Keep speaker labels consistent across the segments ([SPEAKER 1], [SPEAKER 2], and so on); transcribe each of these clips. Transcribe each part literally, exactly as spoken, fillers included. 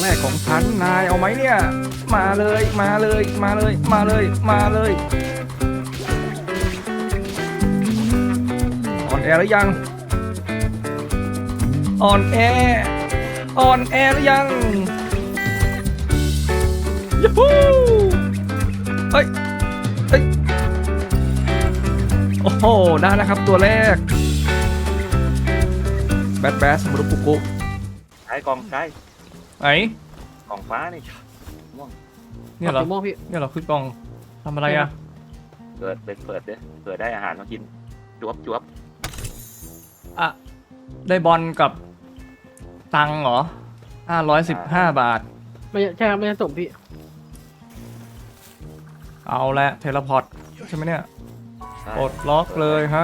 [SPEAKER 1] กของฉันนายเอาไหมเนี่ยมาเลยมาเลยมาเลยมาเลยมาเลยอ่อนแอหรือยังอ่อนแออ่อนแอหรือยังยูฮูเฮ้ยเฮ้ยโอ้โหได้แล้วครับตัวแรกแบดแบสมุรุปุกุ
[SPEAKER 2] ใช้กองใช้
[SPEAKER 1] ไหน
[SPEAKER 2] กองฟ้านี่ม่วง
[SPEAKER 1] เนี่ยเหรอ
[SPEAKER 3] สีม่วงพี่
[SPEAKER 1] เนี่ยเหรอคือกล่องทำอะไรอ่ะ
[SPEAKER 2] เกิดเป็นเปิดเด้อเกิดได้อาหารมากินจวบจวบ
[SPEAKER 1] อ่ะได้บอลกับตังค์เหรอห้าร้อยสิบห้าบาท
[SPEAKER 3] ไม่ใช่ครับไม่ใช่ส่งพี่
[SPEAKER 1] เอาละเทเลพอร์ตใช่ไหมเนี่ย
[SPEAKER 2] ใช่
[SPEAKER 1] ปลดล็อกเลยฮะ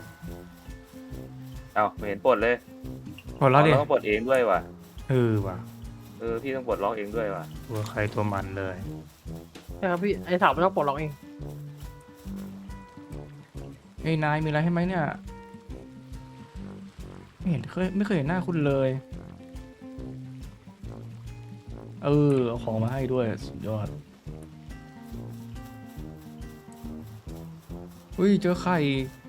[SPEAKER 2] เอาไม่เห็นปลดเลย
[SPEAKER 1] ปลดแล้วดิ
[SPEAKER 2] เราต้องปลดเองด้วยว่ะ
[SPEAKER 1] เออว่ะ
[SPEAKER 2] เออพี่ต้องปลดล็อกเองด้วยว่ะ
[SPEAKER 1] ตัวใครตัวมันเลย
[SPEAKER 3] ใช่ครับพี่ไอ้สาวมันต้องปลดล็อกเอง
[SPEAKER 1] เฮ้ยนายมีอะไรให้ไหมเนี่ยไม่เห็นเคยไม่เคยเห็นหน้าคุณเลยเออเอาของมาให้ด้วยสุดยอดอุ้ยเจอไข่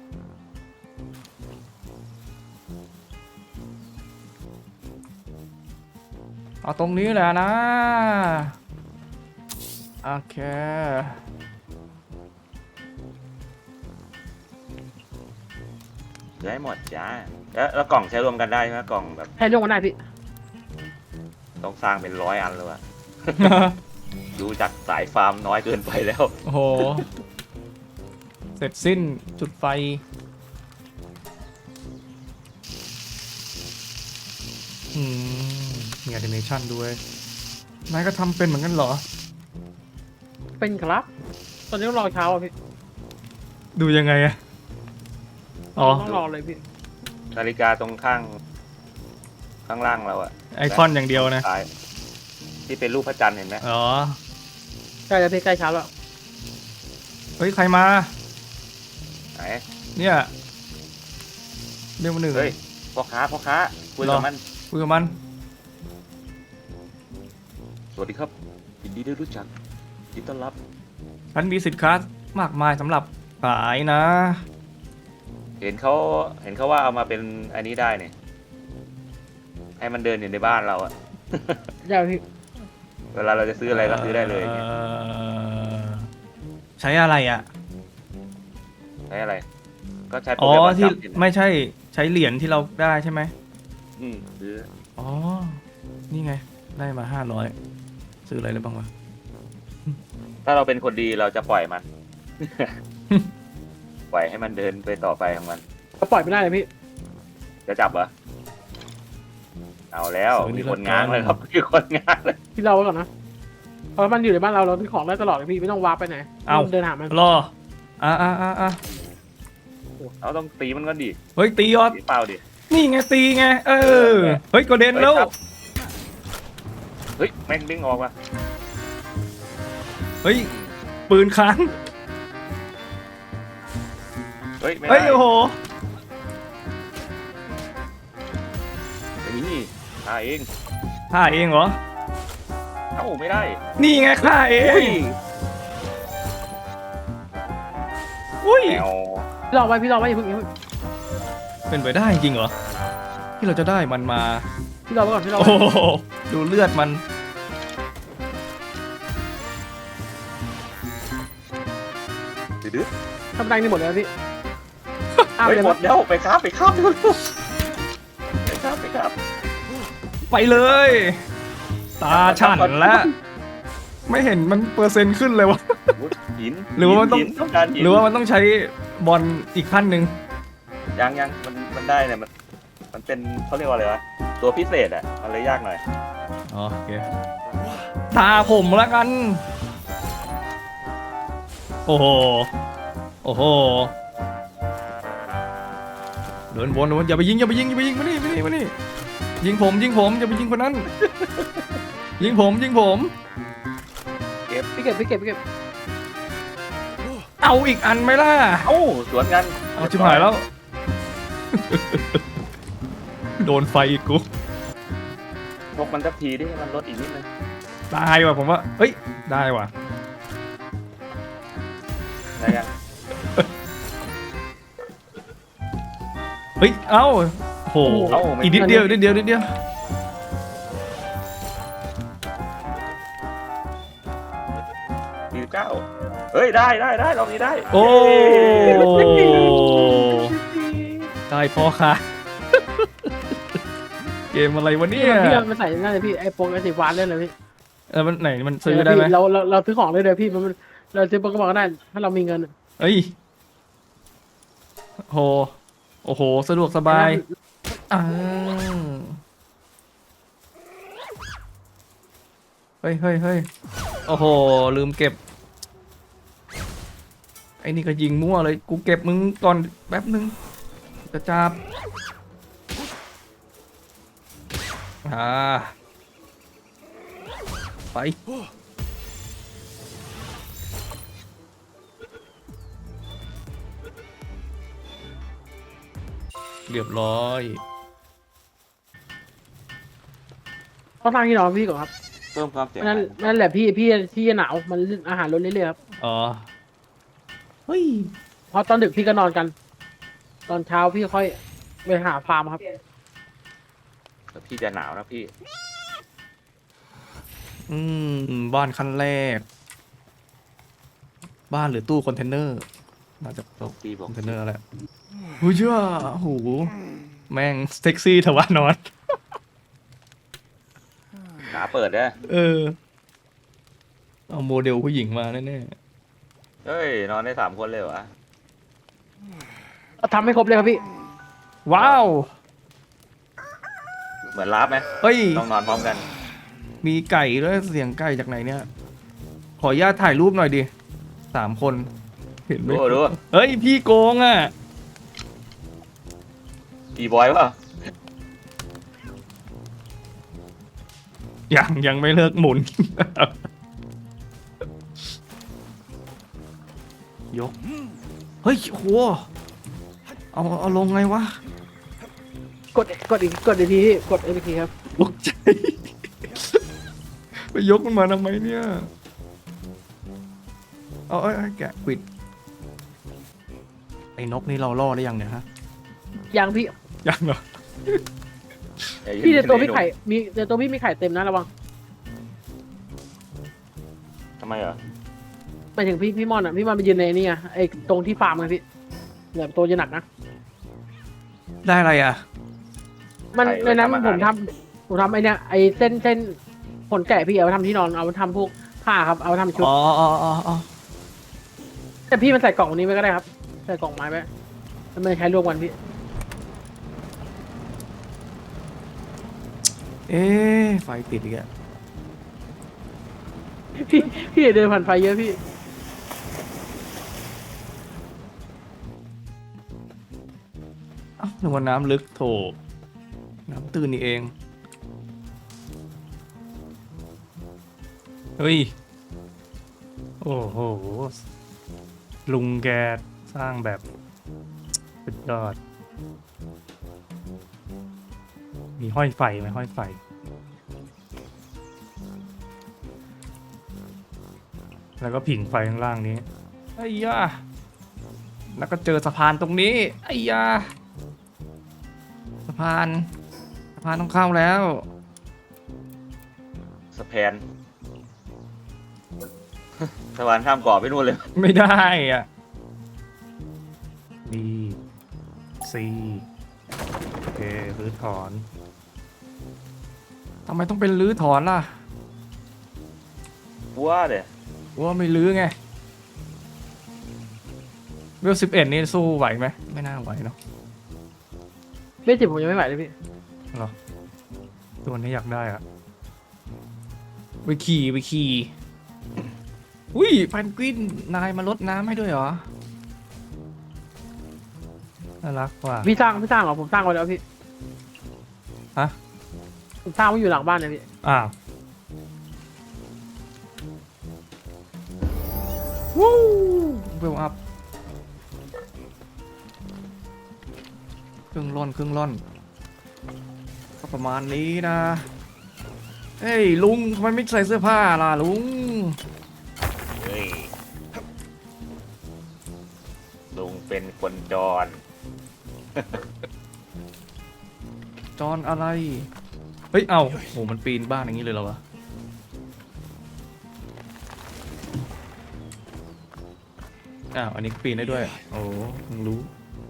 [SPEAKER 1] เอาตรงนี้แหละนะโอเค
[SPEAKER 2] ได้หมดจ้าแล้วแล้วกล่องใช้รวมกันได้ใช่ไหมกล่องแบบ
[SPEAKER 3] ให้เรื่องกันได้พี่
[SPEAKER 2] ต้องสร้างเป็นร้อยอันเลยว่ะ ดูจากสายฟาร์มน้อยเกินไปแล้ว
[SPEAKER 1] โอ้โห เสร็จสิ้นจุดไฟ อืม มีแอนิเมชันด้วย นายก็ทำเป็นเหมือนกันเหรอ
[SPEAKER 3] เป็นครับ ตอนนี้ต้องรอเช้าอ่ะพี่
[SPEAKER 1] ดูยังไงอะอ๋อ
[SPEAKER 3] ต้องรอเลยพี่
[SPEAKER 2] นาฬิกาตรงข้างข้างล่างเราอะ
[SPEAKER 1] ไอคอนอย่างเดียวนะ
[SPEAKER 2] ซ้ายที่เป็นรูปพระจันทร์เห็นไหม
[SPEAKER 1] อ๋อ
[SPEAKER 3] ใกล้แล้วพี่ใกล้เช้าแล้ว
[SPEAKER 1] เฮ้ย ใครมา
[SPEAKER 2] ไหน
[SPEAKER 1] เนี่ยเรื่องมาหนึ่ง
[SPEAKER 2] เฮ้ยพ่อค้าพ่อค้าคุย
[SPEAKER 1] หร
[SPEAKER 2] กับ
[SPEAKER 1] อ
[SPEAKER 2] มัน
[SPEAKER 1] คุยกับมัน
[SPEAKER 2] สวัสดีครับยินดีได้รู้จักยินดีต้อนรับ
[SPEAKER 1] ฉันมีสินค้ามากมายสำหรับขายนะ
[SPEAKER 2] เห็นเขาเห็นเขาว่าเอามาเป็นอันนี้ได้เนี่ยให้มันเดินอยู่ในบ้านเราอะ
[SPEAKER 3] ได้พี่
[SPEAKER 2] เวลาเราจะซื้ออะไรก็ซื้อได้เลยเนี่ย
[SPEAKER 1] อ่อใช้อะไรอ่ะ
[SPEAKER 2] ใช้อะไร ก็ใช้โปร
[SPEAKER 1] อ๋อ
[SPEAKER 2] แกรมประ
[SPEAKER 1] ที่
[SPEAKER 2] จำนี่นะ
[SPEAKER 1] ไม่ใช่ใช้เหรียญที่เราได้ใช่ไหม
[SPEAKER 2] อืมซื้อ
[SPEAKER 1] อ๋อ นี่ไง ได้มาห้าร้อยซื้ออะไรได้บ้างวะ
[SPEAKER 2] ถ้าเราเป็นคนดีเราจะปล่อยมัน ปล่อยให้มันเดินไปต่อไปของมัน
[SPEAKER 3] ก็ปล่อยไม่ได้เลยพี่
[SPEAKER 2] จะจับเหรอเอาแล้ว
[SPEAKER 1] ซื้อนี่
[SPEAKER 2] มีคน
[SPEAKER 1] ละกัน
[SPEAKER 2] ง้างเลยครับ มีคนง้างเลย
[SPEAKER 3] พี่เราไว้ก่อนนะเพราะมันอยู่ในบ้านเราเราซื้อของได้ตลอดเลยพี่ไม่ต้องวาร์ปไปไหน
[SPEAKER 1] เอ้า
[SPEAKER 3] เดินหามัน
[SPEAKER 1] รอ อ่าอ่าอ่าอ่า
[SPEAKER 2] เราต้องตีมันก่อนดิ
[SPEAKER 1] เฮ้ย ตียอด
[SPEAKER 2] ตีเปล่าดิ
[SPEAKER 1] นี่ไงตีไง เออ เฮ้ยกระเด็นแล้ว
[SPEAKER 2] เฮ้ยครับ เฮ้ยแม่งดึงออกว่ะ
[SPEAKER 1] เฮ้ย ปืนค้าง
[SPEAKER 2] เฮ้ยไม่
[SPEAKER 1] เฮ้ย
[SPEAKER 2] ได้
[SPEAKER 1] โอ้โห
[SPEAKER 2] นี่ฆ่าเอง
[SPEAKER 1] ฆ่าเองเหรอ
[SPEAKER 2] เอ้าไม่ได้
[SPEAKER 1] นี่ไงฆ่าเอ
[SPEAKER 2] อุ้ย
[SPEAKER 1] ง อุ้ย
[SPEAKER 2] แมว
[SPEAKER 3] พี่รอไว้พี่รอไว้อย่าเพิ่งอย่าเพิ่ง
[SPEAKER 1] เป็นไปได้จริงเหรอ ที่เราจะได้มันมา
[SPEAKER 3] พี่รอไว้ก่อนพี่รอ
[SPEAKER 1] โอ้
[SPEAKER 3] ไว้
[SPEAKER 1] โหดูเลือดมัน
[SPEAKER 2] ดื้อ
[SPEAKER 3] ทำได้นี่หมดเลยนะพี่อ้าว
[SPEAKER 2] เฮ้ย
[SPEAKER 3] เดี๋ยว
[SPEAKER 2] หม
[SPEAKER 3] นะ
[SPEAKER 2] ดแล้วไปครับไปครับไปครับไปครับ
[SPEAKER 1] ไปเลย ตาฉันแล้ว ไม่เห็นมันเปอร์เซ็นต์ขึ้นเลยวะ
[SPEAKER 2] หิน
[SPEAKER 1] หรือว่ามันต้อง
[SPEAKER 2] หิต้องการหิน
[SPEAKER 1] หรือว่ามันต้องใช้บอลอีกขั้นหนึ่ง
[SPEAKER 2] ยังยังมันมันได้เนี่ยมันมันเป็นเขาเรียกว่าอะไรวะตัวพิเศษอ่ะมันเลยยากหน่อย
[SPEAKER 1] อ๋อโอเคตาผมแล้วกัน โอ้โห โอ้โหเดินวนเดินวนอย่าไปยิงอย่าไปยิงอย่าไปยิงมานี่มานี่มานี่ยิงผมยิงผมอย่าไปยิงคนนั้น ยิงผมยิงผม
[SPEAKER 3] พี่เก็บพี่เก็บพี่เก็บ
[SPEAKER 1] เอาอีกอันไหมล่ะ
[SPEAKER 2] เอ้าสวนกัน
[SPEAKER 1] เอาชิบหายแล้ว โดนไฟอีกกู
[SPEAKER 2] ผกมันสักทีดิมันลดอีกนิดนึง
[SPEAKER 1] ได้ว่ะผมว่าเฮ้ยได้ว่ะ
[SPEAKER 2] ได้ยัง
[SPEAKER 1] เฮ้ยเอ้าโหอีกนิดเดียวนิดเดียวนิดเดียว
[SPEAKER 2] สี่สิบเก้าเฮ้ยได้ได้ได้รอบนี้ได้
[SPEAKER 1] โอ้ได้พอค่ะ เกมอะไรวะเนี่ย
[SPEAKER 3] พี่มันใส่นั่นเลยพี่ไอ้โปรไอ้สีฟ้าเล่นเลยพี่
[SPEAKER 1] เออมันไหนมันซื้อได้ไหม
[SPEAKER 3] เราเราเราซื้อของเลยเดี๋ยวพี่มันเราซื้อโปรก็บอกก็ได้ถ้าเรามีเงิน
[SPEAKER 1] เฮ้ยโหโอ้โหสะดวกสบายอ่าเฮ้ยเฮ้ยเฮ้ยโอ้โหลืมเก็บไอ้นี่ก็ยิงมั่วเลยกูเก็บมึงก่อนแป๊บนึงจะจับอ่าไปเรียบร้อย
[SPEAKER 3] เขาทางที่นอนพี่ก่อนครับ
[SPEAKER 2] เพิ่มความเสียง
[SPEAKER 3] นั่นนั่นแหละพี่พี่ที่จะหนาวมันอาหารลดเรื่อยๆครับ
[SPEAKER 1] อ๋อเฮ้ย
[SPEAKER 3] เพราะตอนดึกพี่ก็นอนกัน ตอนเช้าพี่ค่อยไปหาฟาร์มครับ
[SPEAKER 2] แต่พี่จะหนาวนะพี่
[SPEAKER 1] อืมบ้านขั้นแรก บ้านหรือตู้คอนเทนเนอร์น่าจะตู้
[SPEAKER 2] พี่บ
[SPEAKER 1] ค
[SPEAKER 2] อก
[SPEAKER 1] อนเทนเนอร์แหละหูเชื่อโหแม่งเซ็กซี่ทว่านอน
[SPEAKER 2] หนาเปิดนะ
[SPEAKER 1] เออ เอาโมเดลผู้หญิงมาแน่
[SPEAKER 2] เฮ้ยนอนได้สามคนเลยเหรอ
[SPEAKER 3] ทำให้ครบเลยครับพี่
[SPEAKER 1] ๆว้าว
[SPEAKER 2] เหมือนลาฟไหม
[SPEAKER 1] เฮ้ย
[SPEAKER 2] ต้องนอนพร้อมกัน
[SPEAKER 1] มีไก่ด้วยเสียงไก่จากไหนเนี่ย ขออนุญาตถ่ายรูปหน่อยดิสามคน เห็นไหม
[SPEAKER 2] ดูดู
[SPEAKER 1] เฮ้ย พี่โกงอ่ะ
[SPEAKER 2] อีบอยเปล่า
[SPEAKER 1] ยังยังไม่เลิกหมุน ยก เฮ้ยโหเอาเอาลงไงวะ
[SPEAKER 3] กดกดอีกกดอีกทีพี่กดอีกทีครับ
[SPEAKER 1] ตกใจ ไปยกมันมาทำไมเนี่ย เอาเอ้ยเอ้ยแกะปิด ไอ้นกนี่เราล่อได้ยังเนี่ยฮะ
[SPEAKER 3] ยังพี่
[SPEAKER 1] ยังเหรอ
[SPEAKER 3] พี่ในตัวพี่ไข่มีในตัวพี่มีไข่เต็มนะระวัง
[SPEAKER 2] ทำไมเหรอ
[SPEAKER 3] หมายถึงพี่พี่มอนอ่ะพี่มอนไปยืนในนี่อ่ะไอ้ตรงที่ฟาร์มไงพี่เนี่ยตัวจะหนักนะ
[SPEAKER 1] ได้อะไรอ่ะ
[SPEAKER 3] มันในนั้นผมทำผมทำไอ้เนี่ยไอ้เส้นเส้นขนแกะพี่เอาไปทำที่นอนเอาไปทำพวกผ้าครับเอาไปทำชุด
[SPEAKER 1] อ๋ออ๋ออ๋ออ๋อ
[SPEAKER 3] แต่พี่มันใส่กล่องนี้ไว้ก็ได้ครับใส่กล่องไม้ไว้แล้วมันใช้รวมกันพี่
[SPEAKER 1] เอ๊ะไฟติดอีกอ่ะ
[SPEAKER 3] พี่พี่เดินผ่านไฟเยอะพี่
[SPEAKER 1] เอ้านึกว่าน้ำลึกโถน้ำตื้นนี่เอง เฮ้ย โอ้โห ลุงแกสร้างแบบสุดยอด มีห้อยไฟไหมห้อยไฟ แล้วก็ผิงไฟข้างล่างนี้ไอ้ยาแล้วก็เจอสะพานตรงนี้ไอ้ยาสะพานสะพานต้องเข้าแล้ว
[SPEAKER 2] สแพน สะพานข้ามเกาะไปนู่นเลย
[SPEAKER 1] ไม่ได้อ่ะ B C โอเครื้อถอนทำไมต้องเป็นรื้อถอนล่ะ
[SPEAKER 2] ว่าเดี๋ย
[SPEAKER 1] ว่าไม่รื้อไงเวลสิบเอ็ดนี่สู้ไหวไหมไม่น่าไหวเนาะ
[SPEAKER 3] เล่นจิบผมยังไม่ไหวเลยพี่
[SPEAKER 1] หรอตัวนี้อยากได้อะไปขี่ไปขี่อุ้ยแพนกวินนายมาลดน้ำให้ด้วยเหรอน่ารักว่ะ
[SPEAKER 3] พี่สร้างพี่สร้างเหรอผมสร้างไว้แล้วพี่
[SPEAKER 1] ฮะ
[SPEAKER 3] ผมสร้างไว้อยู่หลังบ้านเลยพี่
[SPEAKER 1] อ้าววู้เวลอัพครึ่งล่อนครึ่งล่อนก็ประมาณนี้นะเฮ้ยลุงทำไมไม่ใส่เสื้อผ้าล่ะลุง
[SPEAKER 2] เฮ้ยลุงเป็นคนจร
[SPEAKER 1] จอนอะไรเฮ้ยเอ้าโหมันปีนบ้านอย่างนี้เลยเหรอวะอ้าวอันนี้ปีนได้ด้วยโอ้เพิ่งรู้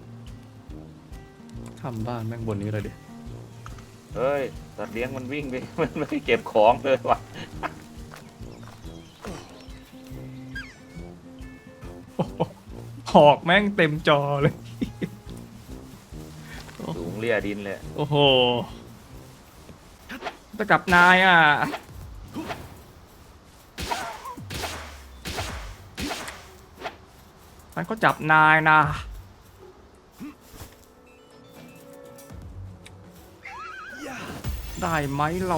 [SPEAKER 1] ทำบ้านแม่งบนนี้เลยดิ
[SPEAKER 2] เฮ้ยสัตว์เลี้ยงมันวิ่งไป มันไม่เก็บของเลยว่ะ
[SPEAKER 1] หอกแม่งเต็มจอเลย
[SPEAKER 2] สูงเลี่ยดินเลย
[SPEAKER 1] โอ้โหจะกลับนายอ่ะมันก็จับนายนะได้ไหมเรา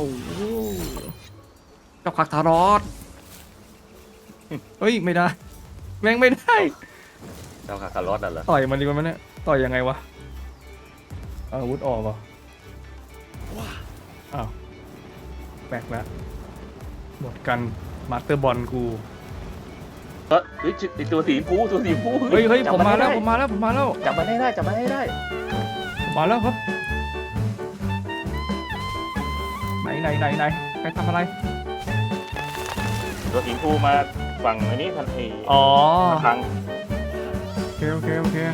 [SPEAKER 1] เจ้าคักทารอดเฮ้ยไม่ได้แม่งไม่ได้
[SPEAKER 2] เจ้าคาคารอสอ่ะเหรอ
[SPEAKER 1] ต่อยมันดีกว่ามันเนี่ยต่อยยังไงวะเอาอาวุธออกเหรออ้าวแปลกแล้วหมดกันมาสเตอร์บอลกู
[SPEAKER 2] เฮ้ยเฮ้ยไอ้ตัวสีชมพูตัวสีชมพู
[SPEAKER 1] เฮ้ยเฮ้ย
[SPEAKER 2] จับ
[SPEAKER 1] ผมมาแล้ว
[SPEAKER 2] ให้
[SPEAKER 1] ผ
[SPEAKER 2] ได้
[SPEAKER 1] มมาแล้วผมมาแล้ว
[SPEAKER 2] จับมันให้ได้จับมันให้ได้
[SPEAKER 1] ผมมาแล้วครับไหนไหนไหนไหนใครทำอะไร
[SPEAKER 2] ตัวสีชมพูมาฝั่งอันนี้ทันที
[SPEAKER 1] อ๋อ
[SPEAKER 2] ทาง
[SPEAKER 1] โอเคโอเคโอเค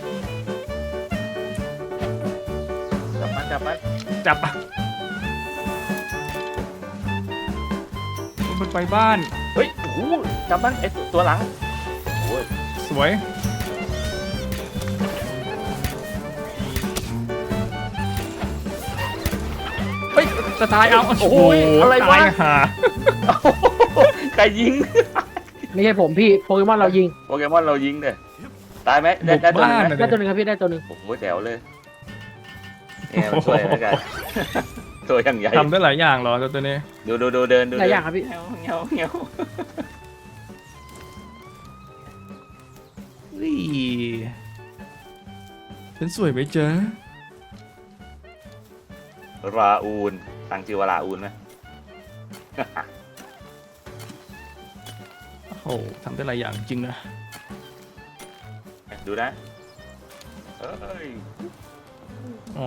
[SPEAKER 2] จับมันจับมัน
[SPEAKER 1] จับอ่ะมันไปบ้าน
[SPEAKER 2] เฮ้ยโอ้โหจับมันไอ้ตัวหลังโอ้ย
[SPEAKER 1] สวยเฮ้ยจะตายเอา
[SPEAKER 2] โอ้ยอะไรวะ
[SPEAKER 1] ตายหา
[SPEAKER 2] ใครยิง
[SPEAKER 3] ไม่ใช่ผมพี่โปเกมอนเรายิง
[SPEAKER 2] โปเกมอนเรายิงเลยตายไหมได้ได้ตัวหนึงไหม
[SPEAKER 3] ได้ตัวหนึ่งครับพี่ได้ตัวหนึ่ง
[SPEAKER 2] โอ้โหแจ๋วเลยเนี่ยมันช่วยแล้วกัน ตัวอย่างใหญ่
[SPEAKER 1] ทำได้หลายอย่างเหรอตัวนี้
[SPEAKER 2] ดูดูดูเดินดู
[SPEAKER 3] หลายอย่างครับพี่
[SPEAKER 2] เงี้ยวเงี้ยวเงี้ยว
[SPEAKER 1] เฮ้ยฉันสวยไหมเจ๊ะ
[SPEAKER 2] ราอูนตั้งชื่อว่าราอูนไหม
[SPEAKER 1] โอ้โหทำได้หลายอย่างจริงนะ
[SPEAKER 2] ดูนะเอ้ย
[SPEAKER 1] อ๋อ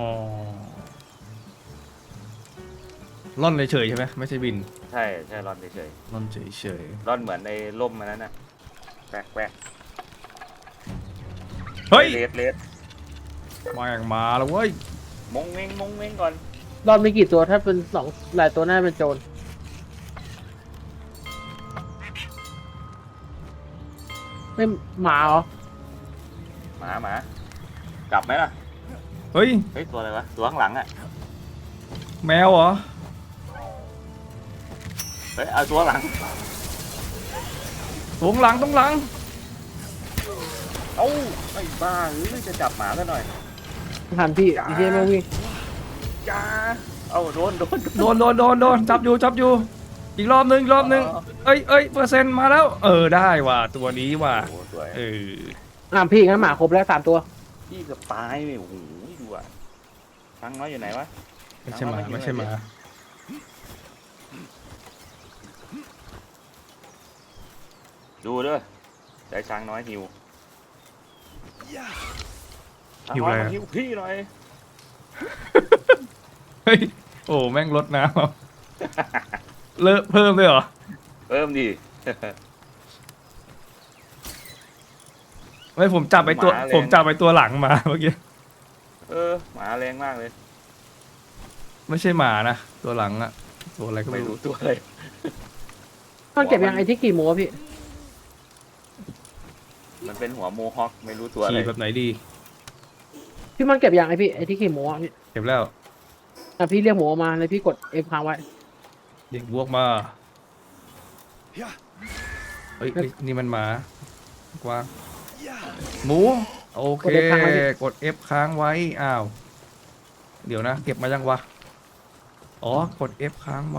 [SPEAKER 1] ล่อนเฉยๆใช่ไหมไม่ใช่บิน
[SPEAKER 2] ใช่ใช่ร่อนเฉย
[SPEAKER 1] ล่อนเฉย
[SPEAKER 2] ๆร่อนเหมือนในร่มมันนั้นน่ะแปลกแปลก
[SPEAKER 1] ๆเฮ้ย
[SPEAKER 2] เลสเลส
[SPEAKER 1] มาอย่างมาแล้วเว้ย
[SPEAKER 2] มงเม้งมงเม้งก่อน
[SPEAKER 3] รอบมีกี่ตัวถ้าเป็นสองหลายตัวน่าเป็นโจรไม่หมาเหรอ
[SPEAKER 2] หมาหมากลับไหมล่ะ
[SPEAKER 1] เฮ้ย
[SPEAKER 2] เฮ้ยตัวอะไรวะตัวข้างหลังอ่ะ
[SPEAKER 1] แมวเหรอ
[SPEAKER 2] เฮ้ยเอาตัวหลัง
[SPEAKER 1] ตรงหลังตรงหลัง
[SPEAKER 2] เอ้าไอ้บ้าเอ้ยจะจับหมาซะหน่อย
[SPEAKER 3] ทันพี่อีเจไม่วิ่ง
[SPEAKER 2] จ้าเอ้าโดนโดน
[SPEAKER 1] โดนโดนโดนโดนจับอยู่จับอยู่ อีกรอบนึงอีกรอบนึงเอ้ยเอ้ยเปอร์เซ็นต์มาแล้ว เออได้ว่ะตัวนี้ว่ะ
[SPEAKER 2] โอ้โหสวย
[SPEAKER 1] เออ
[SPEAKER 3] อ่ะพี่งั้นหมาครบแล้วสามตัว
[SPEAKER 2] พี่เกือบตายเลยโอ้โหดูอ่ะตังน้อยอยู่ไหนวะ
[SPEAKER 1] ไม่ใช่หมาไม่ใช่หมา
[SPEAKER 2] ดูเด้อใจช้างน้อยหิว
[SPEAKER 1] หิว
[SPEAKER 2] ช้าง
[SPEAKER 1] อะไร
[SPEAKER 2] น้อย
[SPEAKER 1] อะ
[SPEAKER 2] มาหิวพี่หน่อย
[SPEAKER 1] เฮ้ยโอ้แม่งลดน้ำเอาเลอะเพิ่มด้วยเหรอ
[SPEAKER 2] เพิ่มดิ
[SPEAKER 1] ไม่ผมจับไปตัว
[SPEAKER 2] หมาแรง
[SPEAKER 1] ผมจับไปตัวหลังมาเมื่อกี้
[SPEAKER 2] เออหมาแรงมากเลย
[SPEAKER 1] ไม่ใช่หมานะตัวหลังอะตัวอะไรก็
[SPEAKER 2] ไม่
[SPEAKER 1] ไม่
[SPEAKER 2] รู้
[SPEAKER 1] รู้
[SPEAKER 2] ตัวอะไร
[SPEAKER 3] มันเก็บยังไอ้ที่กี่โมพี่
[SPEAKER 2] มันเป็นหัวโมฮอคไม่รู้ตัวอะไร
[SPEAKER 1] ขี่แบบไหนดี
[SPEAKER 3] พี่มันเก็บยังไอ้พี่ไอ้ที่กี่โมอ่ะพี่
[SPEAKER 1] เก็บแล้ว
[SPEAKER 3] อ่ะพี่เรียกหมูออกมาเลยพี่กดเอฟค้างไว้
[SPEAKER 1] เด็กบวกมาเฮ้ยเฮ้ยนี่มันหมากวางหมูโอเค กด F ค้างไว้อ้าวเดี๋ยวนะ เก็บมายังวะอ๋อกด F ค้างไว้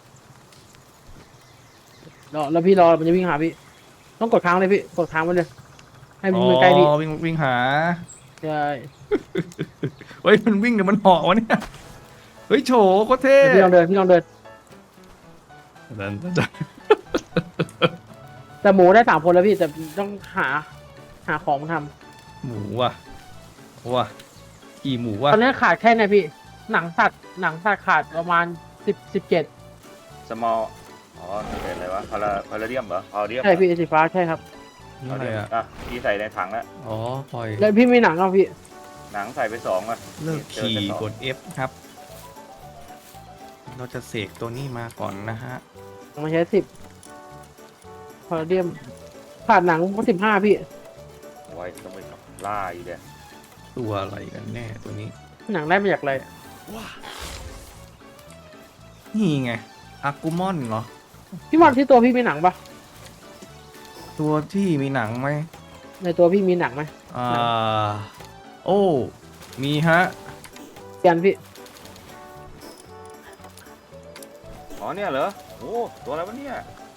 [SPEAKER 3] รอแล้วพี่รอมันจะวิ่งหาพี่ ต้องกดค้างเลยพี่กดค้างไว้เลยให้มัน
[SPEAKER 1] อ๋
[SPEAKER 3] มือใกล้พี่
[SPEAKER 1] อวิ่งวิ่งหา
[SPEAKER 3] ใช่
[SPEAKER 1] เฮ้ยมันวิ่งเดี๋ยวมันเหาะวะเนี่ยเฮ้ยโฉโคตรเท่
[SPEAKER 3] เดี๋ยวพี่ลองเดินพี่ลองเดิน
[SPEAKER 1] นั่น
[SPEAKER 3] แต่หมูได้สามคนแล้วพี่แต่ต้องหา หาของมาท
[SPEAKER 1] หมูว่ะว่ะกี่หมู
[SPEAKER 3] ำ
[SPEAKER 1] ว่ะ
[SPEAKER 3] ตอนนี้ขาดแค่ไหนพี่ หนังสัตว์หนังสัตว์ขาดประมาณสิบสิบเจ็ด
[SPEAKER 2] small อ๋อนี่เป็นอะไรวะพาราพาราเดียมเหรอพาราเดียม
[SPEAKER 3] ใช่พี่สีฟ้าใช่ครับ
[SPEAKER 1] นี่
[SPEAKER 2] พา
[SPEAKER 1] อะ
[SPEAKER 2] รา
[SPEAKER 1] ไร
[SPEAKER 2] เดียม
[SPEAKER 1] อ่ะ
[SPEAKER 2] อ่ะพี่ใส่ในถังแล้ว
[SPEAKER 1] อ๋อปล่อย
[SPEAKER 3] แล้วพี่มีหนังเอาพี่
[SPEAKER 2] หนังใส่ไปสองอ่ะ
[SPEAKER 1] เลิก
[SPEAKER 2] เจอ
[SPEAKER 1] ขี่
[SPEAKER 2] แค่สอง
[SPEAKER 1] กด F ครับ เราจะเสกตัวนี้มาก่อนนะฮะ
[SPEAKER 3] มาใช้สิบพอเดียมขาดหนังสิบห้าพี่
[SPEAKER 2] ไว้ต้องไปล่าอีกเดีย
[SPEAKER 1] ตัวอะไรกันแน่ตัวนี้
[SPEAKER 3] หนังได้มาจากอะไร
[SPEAKER 1] นี่ไงอากูมอนเหรอ
[SPEAKER 3] พี่มอนที่ตัวพี่มีหนังปะ
[SPEAKER 1] ตัวที่มีหนังไหม
[SPEAKER 3] ในตัวพี่มีหนังไหม
[SPEAKER 1] อ่า โอ้ มีฮะ
[SPEAKER 3] เตียนพี่
[SPEAKER 2] อ๋อเนี่ยเหรอโอ้ตัวอะไรวะเนี่ย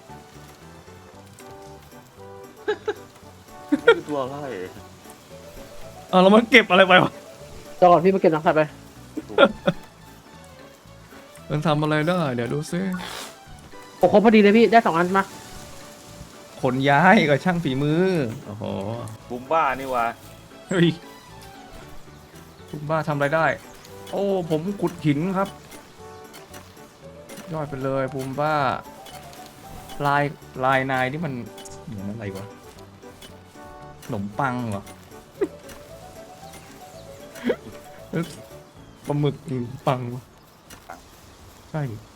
[SPEAKER 2] นี่คือตัวอะไร
[SPEAKER 1] อ่าแล้วมันเก็บอะไรไปวะ
[SPEAKER 3] ตัวก่อนพี่มาเก็บหนังสัตว์ไป
[SPEAKER 1] มันทำอะไรได้ เดี๋ยวดูซิ
[SPEAKER 3] โอ้ครบพอดีเลยพี่ได้สองอันมา
[SPEAKER 1] ขนย้ายกับช่างฝีมือ โอ้โห
[SPEAKER 2] บุมบ้านี่วะ
[SPEAKER 1] เฮ้ยคุณบ้าทำอะไรได้ โอ้ ผมขุดหินครับ ยอดไปเลยภูมิบ้า ลายลายนายนี่มันเหมือนอะไรวะ ขนมปังเหรอ ปลาหมึกขนมปังวะใช่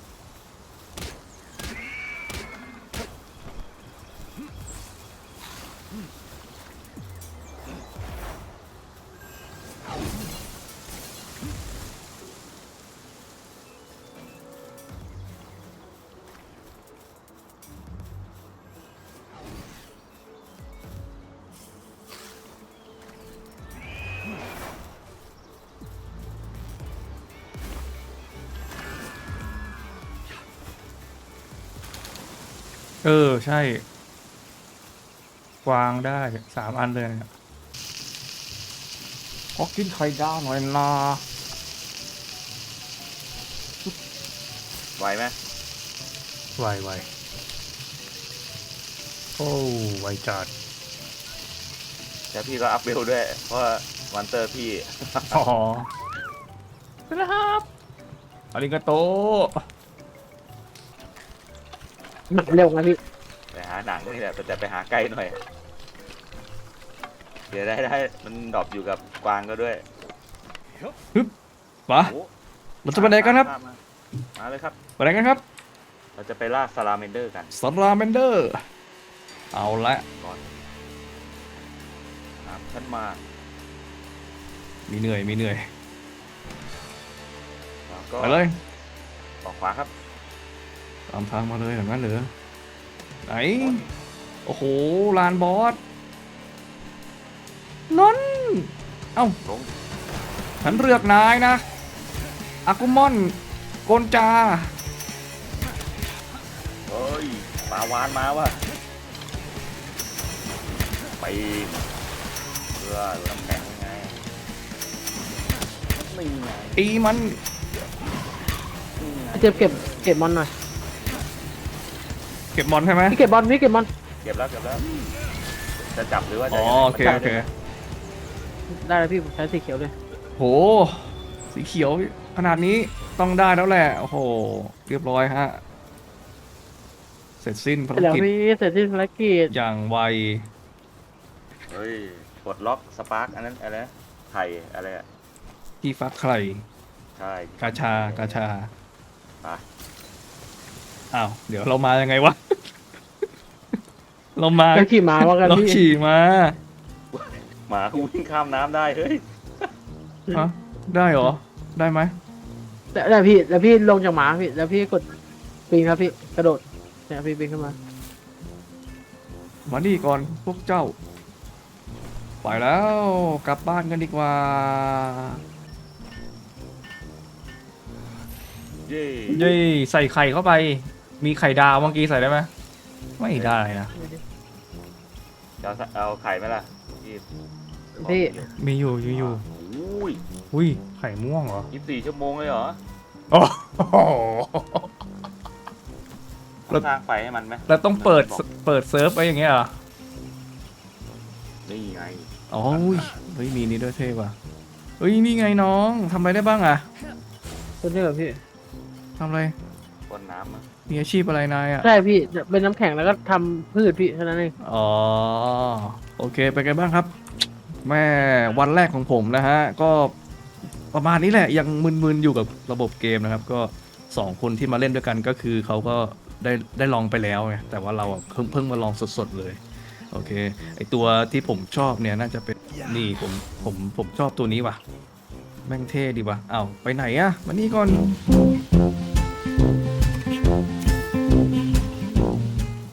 [SPEAKER 1] เออ ใช่ กวางได้สามอันเลยเนี่ยขอกินไข่ดาวหน่อยนะ
[SPEAKER 2] ไหวไหม
[SPEAKER 1] ไวไวโอ้ไวจัด
[SPEAKER 2] แต่พี่ก็อัพเวลด้วย เพราะว่าวันเตอร์พี่
[SPEAKER 1] อ๋อครับอาริกาโต
[SPEAKER 3] หนังเร็วนะพี่
[SPEAKER 2] ไปหาหนังนี่แหละแต่จะไปหาใกล้หน่อย เดี๋ยวได้ได้มันดรอปอยู่กับกวางก็ด้วย
[SPEAKER 1] มา
[SPEAKER 2] โอ้
[SPEAKER 1] เราจะไปไหนกันครับ
[SPEAKER 2] มามาเลยครับ
[SPEAKER 1] ไปไหนกันครับ
[SPEAKER 2] เราจะไปล่าซาลาเมนเดอร์กัน
[SPEAKER 1] สลาเมนเดอร์ เอาละ
[SPEAKER 2] ก่อนครับฉันมา
[SPEAKER 1] มีเหนื่อย มีเหนื่อย
[SPEAKER 2] แล้วก็
[SPEAKER 1] ไปเลย
[SPEAKER 2] ออกขวาครับ
[SPEAKER 1] ตามทางมาเลยอย่างนั้นเหรอไหน โอ้โห ลานบอสนนเอ้า
[SPEAKER 2] ลง
[SPEAKER 1] ฉันเลือกนายนะ อากุมอน โกนจา
[SPEAKER 2] เฮ้ยปลาวานมาว่ะไปเพื่อน้ำแข็งยังไงไม่ไง
[SPEAKER 1] ตีมัน
[SPEAKER 2] นี่ไง
[SPEAKER 3] เจ็บเก็บเก็บบอลหน่อย
[SPEAKER 1] เก็บบอลใช่ไหม
[SPEAKER 3] พี่เก็บบอลพี่เก็บบอล
[SPEAKER 2] เก็บแล้วเก็บแล้ว จะจับหรือว่าจะ
[SPEAKER 1] อ๋อ โอเค โอเค
[SPEAKER 3] ได้แล้วพี่ผมใช้สีเขียวเลย
[SPEAKER 1] โห สีเขียวขนาดนี้ต้องได้แล้วแหละ โอ้โห เรียบร้อยฮะ เสร็จสิ้นภาร
[SPEAKER 3] เสร็จแล้ว
[SPEAKER 1] กิจ
[SPEAKER 3] พี่เสร็จที่ภารกิจ
[SPEAKER 1] อย่างไว
[SPEAKER 2] เฮ้ยปลดล็อกสปาร์กอันนั้นอะไรนะไข่อะไรอะ
[SPEAKER 1] ที่ฟักไข่
[SPEAKER 2] ใช่
[SPEAKER 1] กาชากาชา
[SPEAKER 2] ไป
[SPEAKER 1] อ้าว เดี๋ยวเรามายังไงวะ เรามา
[SPEAKER 3] แล้วขี่ม้าว่ากัน
[SPEAKER 1] เรา
[SPEAKER 3] พี่
[SPEAKER 1] ขี่มา
[SPEAKER 2] หมากูวิ่งข้ามน้ำได้เฮ้ย
[SPEAKER 1] ฮะได้เหรอ ได้ไหม
[SPEAKER 3] แต่แต่พี่แล้วพี่ลงจากม้าพี่แล้วพี่กดปีนครับพี่กระโดดเนี่ยพี่ปีนขึ้นมา
[SPEAKER 1] มานี่ก่อนพวกเจ้า ไปแล้วกลับบ้านกันดีกว่า
[SPEAKER 2] เย้
[SPEAKER 1] เย้ใส่ไข่เข้าไป มีไข่ดาวเมื่อกี้ใส่ได้ไหมไม่ได้นะ
[SPEAKER 2] จะเอาเอาไข่ไหมล่ะพี่
[SPEAKER 3] พี่
[SPEAKER 1] มีอยู่อยู่อยู่
[SPEAKER 2] อุ้ย
[SPEAKER 1] อุ้ยไข่ม่วงเหรอ
[SPEAKER 2] ยี่สิบสี่ชั่วโมงเลยเหรอ
[SPEAKER 1] โอ้โห
[SPEAKER 2] ต้องสร้างไฟให้มันไหม
[SPEAKER 1] เราต้องเปิด
[SPEAKER 2] บอก
[SPEAKER 1] เปิดเซิร์ฟไว้อย่างเงี้ยเหรอ
[SPEAKER 2] นี่ไง
[SPEAKER 1] อ๋ออุ้ยเฮ้ยมีนี่ด้วยเท่ว่ะเฮ้ยนี่ไงน้องทำอะไรได้บ้างอะ
[SPEAKER 3] ตัวนี้เหรอพี่
[SPEAKER 1] ทำอะไร
[SPEAKER 2] พ่นน้ำมั้ง
[SPEAKER 1] มีอาชีพอะไรนายอะ
[SPEAKER 3] ใช่พี่เป็นน้ำแข็งแล้วก็ทำพืชพี่เท่านั้นเอง
[SPEAKER 1] อ๋อโอเคไปนไงบ้างครับ แม่วันแรกของผมนะฮะก็ประมาณนี้แหละยังมึนๆอยู่กับระบบเกมนะครับ ก็สองคนที่มาเล่นด้วยกันก็คือเขาก็ได้ได้ลองไปแล้วไงแต่ว่าเราอะเพิ่งเพิ่งมาลองสดๆเลยโอเคไอตัวที่ผมชอบเนี่ยน่าจะเป็นนี่ผมผมผมชอบตัวนี้ว่ะแม่งเท่ดีว่ะอ้าวไปไหนอะมานี่ก่อน